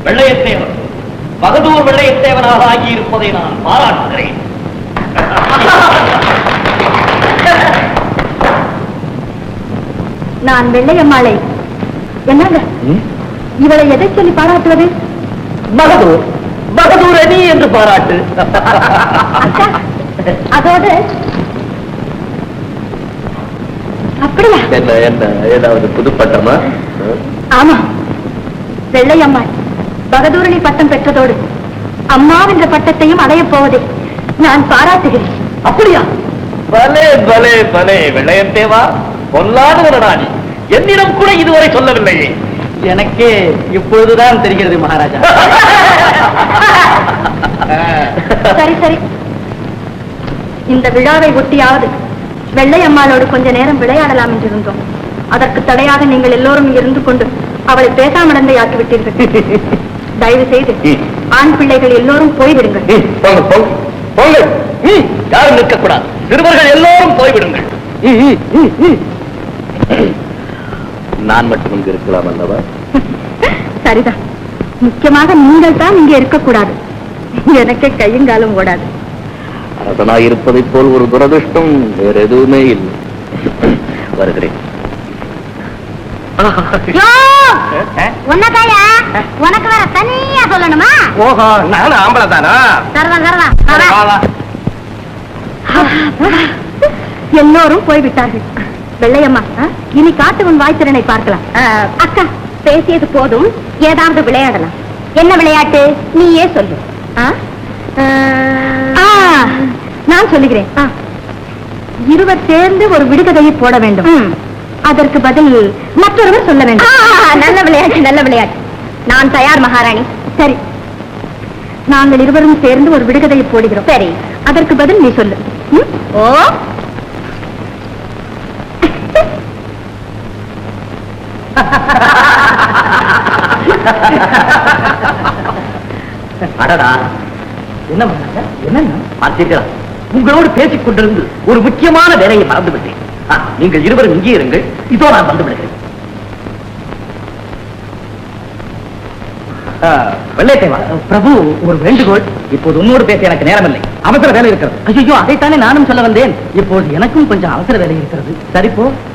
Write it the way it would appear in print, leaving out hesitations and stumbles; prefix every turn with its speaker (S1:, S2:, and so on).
S1: வெள்ளையத்தேவன் பகதூர் வெள்ளையத்தேவனாக ஆகியிருப்பதை நான் பாராட்டுகிறேன்.
S2: நான் வெள்ளையம்மாளை என்னங்க இவளை எதை சொல்லி பாராட்டுவது?
S1: பகதூர் பகதூர் அணி என்று பாராட்டு.
S2: அதோடு அப்படியா?
S1: என்ன என்ன ஏதாவது புதுப்பட்டமா?
S2: ஆமா, வெள்ளையம்மாள் பகதூரணி பட்டம் பெற்றதோடு அம்மாவென்ற பட்டத்தையும் அடையப் போவதை நான் பாராட்டுகிறேன்.
S1: அப்படியா? பலே பலே பலே வெள்ளையத்தேவா, பொல்லாத ஒரு ராணி. என்னிடம் கூட இதுவரை சொல்லவில்லையே. எனக்கே இப்பொழுதுதான் தெரிகிறது மகாராஜா.
S2: சரி சரி, இந்த விழாவை ஒட்டியாவது வெள்ளையம்மாளோடு கொஞ்ச நேரம் விளையாடலாம் என்று இருந்தோம். அதற்கு தடையாக நீங்கள் எல்லோரும் இருந்து கொண்டு அவளை பேசாமடந்தை ஆக்கிவிட்டீர்கள். தயவு செய்து ஆண் பிள்ளைகள் எல்லோரும் போய்விடுங்கள்.
S1: யாரும் நிற்கக்கூடாது. சிறுவர்கள் எல்லோரும் போய்விடுங்கள். நான் மட்டும் இங்கு இருக்கலாம் அல்லவா?
S2: சரிதான், முக்கியமாக நீங்கள் தான் இங்கே இருக்கக்கூடாது. எனக்கே கையுங்காலும் ஓடாது.
S1: அரசனாய் இருப்பதைப் போல் ஒரு துரதிருஷ்டம் வேற எதுவுமே இல்லை. வருகிறேன்.
S2: உனக்கு வேற தனியா சொல்லணுமா?
S1: ஓஹோ, நானும் ஆம்பளை தானா?
S2: எல்லோரும் போய்விட்டார்கள். வெள்ளையம்மா, இனி காட்டு உன் வாய்த்திறனை பார்க்கலாம். அக்கா, பேசியது போதும், ஏதாவது விளையாடலாம். என்ன விளையாட்டு நீயே சொல்லு. நான் சொல்லுகிறேன். இருவர் சேர்ந்து ஒரு விடுகதையை போட வேண்டும். அதற்கு பதில் மற்றொருவர் சொல்ல வேண்டும். நல்ல விளையாட்டு, நல்ல விளையாட்டு. நான் தயார் மகாராணி. சரி, நாங்கள் இருவரும் சேர்ந்து ஒரு விடுகதையை போடுகிறோம். சரி, அதற்கு பதில் நீ சொல்லு. ஓ,
S1: அடடா, என்ன என்ன பார்த்தீர்களா? உங்களோடு பேசிக் கொண்டிருந்து ஒரு முக்கியமான வேலையை மறந்துவிட்டேன். நீங்கள் இருவரும் இங்கே இருங்கள், இதோ நான் வந்து விடுகிறேன். வெள்ளையத்தேவா, பிரபு, ஒரு வேண்டுகோள். இப்போது உன்னோடு பேச எனக்கு நேரமில்லை, அவசர வேலை இருக்கிறது. ஐயோ, அதைத்தானே நானும் சொல்ல வந்தேன். இப்போது எனக்கும் கொஞ்சம் அவசர வேலை இருக்கிறது. சரிப்போ.